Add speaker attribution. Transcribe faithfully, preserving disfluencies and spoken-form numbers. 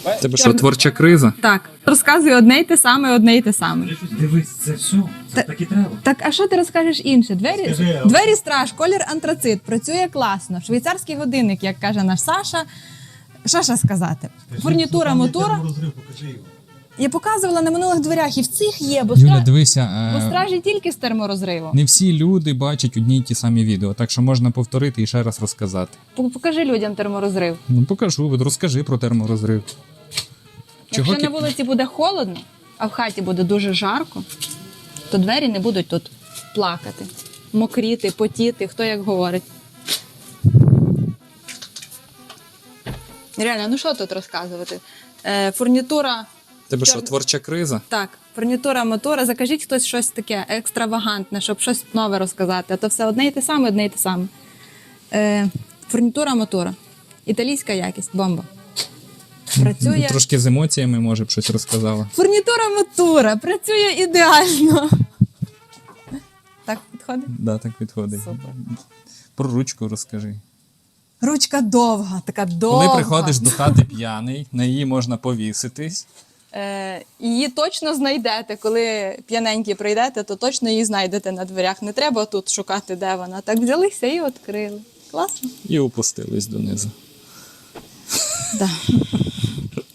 Speaker 1: Тебе що, творча криза?
Speaker 2: Так, розказую одне й те саме, одне й те саме.
Speaker 3: Дивись, це все. Це
Speaker 2: Та-
Speaker 3: так і треба.
Speaker 2: Так, а що ти розкажеш інше? Двері,
Speaker 3: Скажи, а-
Speaker 2: двері страж, колір антрацит, працює класно. Швейцарський годинник, як каже наш Саша. Що ще сказати? Фурнітура, мотора.
Speaker 3: Розрив, покажи його.
Speaker 2: Я показувала на минулих дверях, і в цих є, бо,
Speaker 4: Юля,
Speaker 2: стра...
Speaker 4: дивися,
Speaker 2: бо
Speaker 4: е,
Speaker 2: стражі тільки з терморозривом.
Speaker 4: не всі люди бачать одні й ті самі відео, так що можна повторити і ще раз розказати.
Speaker 2: П- Покажи людям терморозрив.
Speaker 4: Ну покажу, от розкажи про терморозрив. Чого
Speaker 2: Якщо
Speaker 4: кі-
Speaker 2: на вулиці буде холодно, а в хаті буде дуже жарко, то двері не будуть тут плакати, мокріти, потіти, хто як говорить. Реально, ну що тут розказувати? Е, фурнітура.
Speaker 1: Тебе що,
Speaker 2: Чор-
Speaker 1: творча криза?
Speaker 2: Так, фурнітура мотора. Закажіть хтось щось таке екстравагантне, щоб щось нове розказати. А то все одне і те саме, одне і те саме. Е, фурнітура мотора. Італійська якість, бомба. Працює.
Speaker 4: Трошки з емоціями, може б щось розказала.
Speaker 2: Фурнітура мотора. Працює ідеально. Так підходить?
Speaker 4: Да, так підходить.
Speaker 2: Супер.
Speaker 4: Про ручку розкажи.
Speaker 2: Ручка довга, така довга.
Speaker 4: Коли приходиш до хати п'яний, на її можна повіситись.
Speaker 2: Е, її точно знайдете. Коли п'яненькі прийдете, то точно її знайдете на дверях. Не треба тут шукати, де вона. Так взялися і відкрили. Класно?
Speaker 1: І опустились донизу.
Speaker 2: Да.